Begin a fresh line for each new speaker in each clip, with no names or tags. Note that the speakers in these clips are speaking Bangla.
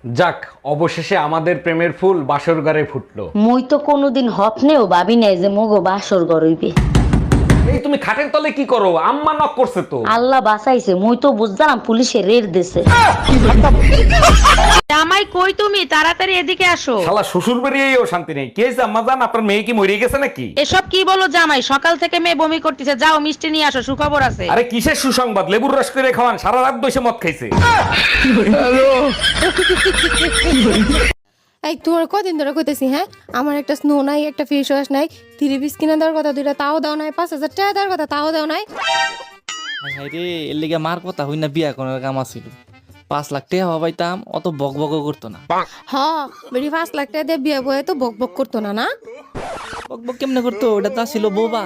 যাক, অবশেষে আমাদের প্রেমের ফুল বাসর ঘরে ফুটলো।
মুই তো কোনোদিন হপনেও ভাবি নাই যে মোগো বাসর গরইবে।
এই তুমি খাটের তলে কি করো? আম্মা নক করছে তো।
আল্লাহ বাঁচাইছে, মুই তো বুঝলাম পুলিশে রেড দিছে।
জামাই কই তুমি? তাড়াতাড়ি এদিকে আসো।
শালা শ্বশুর বাড়িয়েও শান্তি নেই। কে হয়েছে আম্মা জান? আপনার মেয়ে কি মরে গেছে নাকি?
এসব কি বলো জামাই? সকাল থেকে মেয়ে বমি করতেছে, যাও মিষ্টি নিয়ে আসো, সুখবর আছে।
আরে কিসের সুসংবাদ? লেবুর রস করে খাওয়ান, সারা রাত বসে মদ খাইছে।
এই তোমার কদিন ধরে কইতেছি, হ্যাঁ আমার একটা স্নো নাই, একটা ফেস ওয়াশ নাই, 3 পিস কিনে দেওয়ার কথা, দুইটা তাও দাও নাই, 5,000 টাকা দেওয়ার কথা তাও দাও নাই।
হাই রে, এর লিগে মার কথা হই না, বিয়া করার কাম আছিল। 5 লাখ টাকা হবাইতাম, অত বক বক করতো না।
হ বেরি 5 লাখ টাকা দিয়ে বিয়ে বয়ে তো বক বক করতো না। না
বক বক কেমনে করতো? ওটা তা ছিল বোবা।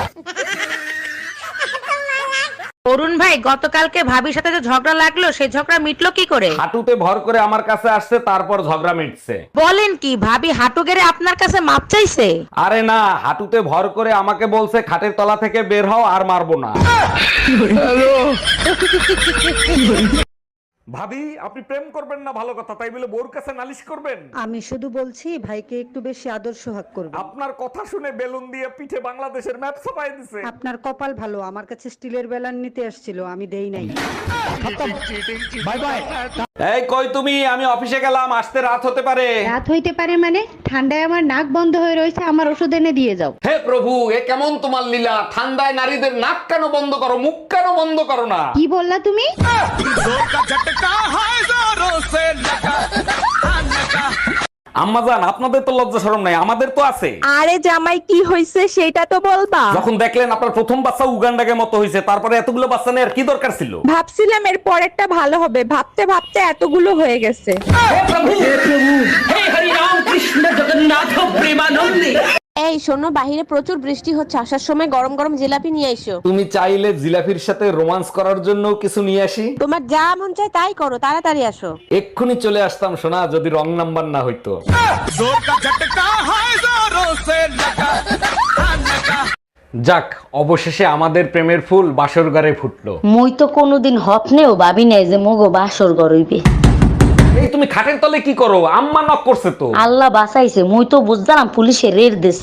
অরুণ ভাই, গতকালকে ভাবির সাথে যে ঝগড়া লাগলো, সেই ঝগড়া মিটলো কি করে?
হাঁটুতে ভর করে আমার কাছে আসছে, তারপর ঝগড়া মিটছে।
বলেন কি, ভাবি হাঁটু গেড়ে আপনার কাছে মাপ চাইছে?
আরে না, হাঁটুতে ভর করে আমাকে বলছে খাটের তলা থেকে বের হও, আর মারবো না। ভাবি, আপনি প্রেম করবেন না ভালো কথা, তাই বলে বোর কাছে নালিশ করবেন?
আমি শুধু বলছি ভাইকে একটু বেশি আদর সোহাগ করবে।
আপনার কথা শুনে বেলুন দিয়ে পিঠে বাংলাদেশের ম্যাপ ছাপাই দিছে।
আপনার কপাল ভালো, আমার কাছে স্টিলের বেলান নিতে আসছিল, আমি দেই নাই।
Bye bye. এই কই তুমি? আমি অফিসে গেলাম, আসতে রাত হতে পারে।
রাত হইতে পারে মানে? ঠান্ডায় আমার নাক বন্ধ হয়ে রয়েছে, আমার ওষুধ এনে দিয়ে যাও।
হে প্রভু, এ কেমন তোমার লীলা? ঠান্ডায় নারীদের নাক কেন বন্ধ করো, মুখ কেন বন্ধ করো না?
কি বললা তুমি?
আম্মাজান, আপনাদের তো লজ্জা শরম নাই, আমাদের তো আছে।
আরে জামাই, কি হইছে সেটা তো বলবা।
যখন দেখলেন আপনার প্রথম বাচ্চা উগান্ডাকে মতো হয়েছে, তারপরে এতগুলো বাচ্চা নেওয়ার কি দরকার ছিল?
ভাবছিলাম এর পরেরটা ভালো হবে, ভাবতে ভাবতে এতগুলো হয়ে গেছে। এই শোনো, বাহিরে প্রচুর বৃষ্টি হচ্ছে, আসার সময় গরম গরম জিলাপি নিয়ে আইসো।
তুমি চাইলে জিলাফির সাথে রোমান্স করার জন্য কিছু নিয়ে আসি?
তোমার যা মন চায় তাই করো, তাড়াতাড়ি আসো।
এক্ষুনি চলে আসতাম সোনা, যদি রং নাম্বার না হইতো। যাক, অবশেষে আমাদের প্রেমের ফুল বাসর ঘরে ফুটলো।
মুই তো কোনোদিন হপনেও ভাবি নাই যে মোগো বাসর গরইবে।
এই তুমি খাটের তলে কি করো? আম্মা নক করছে তো।
আল্লাহ বাঁচাইছে, মুই তো বুঝলাম পুলিশে রেড দিছে।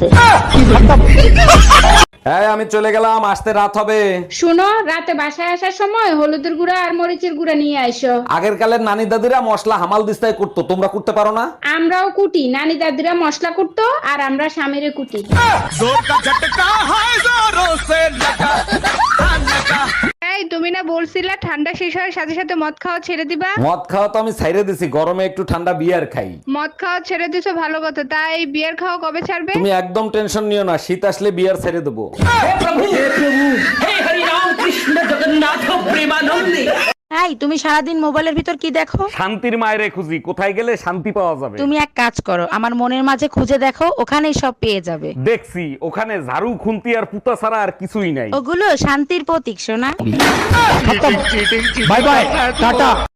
হ্যাঁ, আমি চলে গেলাম, আসতে রাত হবে।
শুনো, রাতে বাসায় আসার সময় হলুদের গুঁড়া আর মরিচের গুঁড়া নিয়ে আইসো।
আগের কালের নানি দাদিরা মশলা হামাল দিস্তায় করতো, তোমরা করতে পারো না?
আমরাও কুটি, নানি দাদিরা মশলা কুটতো আর আমরা স্বামীরে কুটি। এই তুমি না বলছিলা ঠান্ডা শেষ হওয়ার সাথে সাথে মদ খাওয়া ছেড়ে দিবা?
মদ খাওয়া তো আমি ছাইরে দিছি, গরমে একটু ঠান্ডা বিয়ার খাই।
মদ খাওয়া ছেড়ে দিছো ভালো কথা, তাই বিয়ার খাওয়া কবে ছাড়বে?
তুমি একদম টেনশন নিও না, শীত আসলে বিয়ার ছেড়ে দেবো।
এই তুমি সারাদিন মোবাইলের ভিতর কি দেখো?
শান্তির মায়েরে খুঁজি, কোথায় গেলে শান্তি পাওয়া যাবে।
তুমি এক কাজ করো, আমার মনের মাঝে খুঁজে দেখো, ওখানেই সব পেয়ে যাবে।
দেখছি, ওখানে ঝাড়ু খুন্তি আর পুতা ছাড়া আর কিছুই নাই।
ওগুলো শান্তির প্রতীক সোনা।
Bye bye, tata.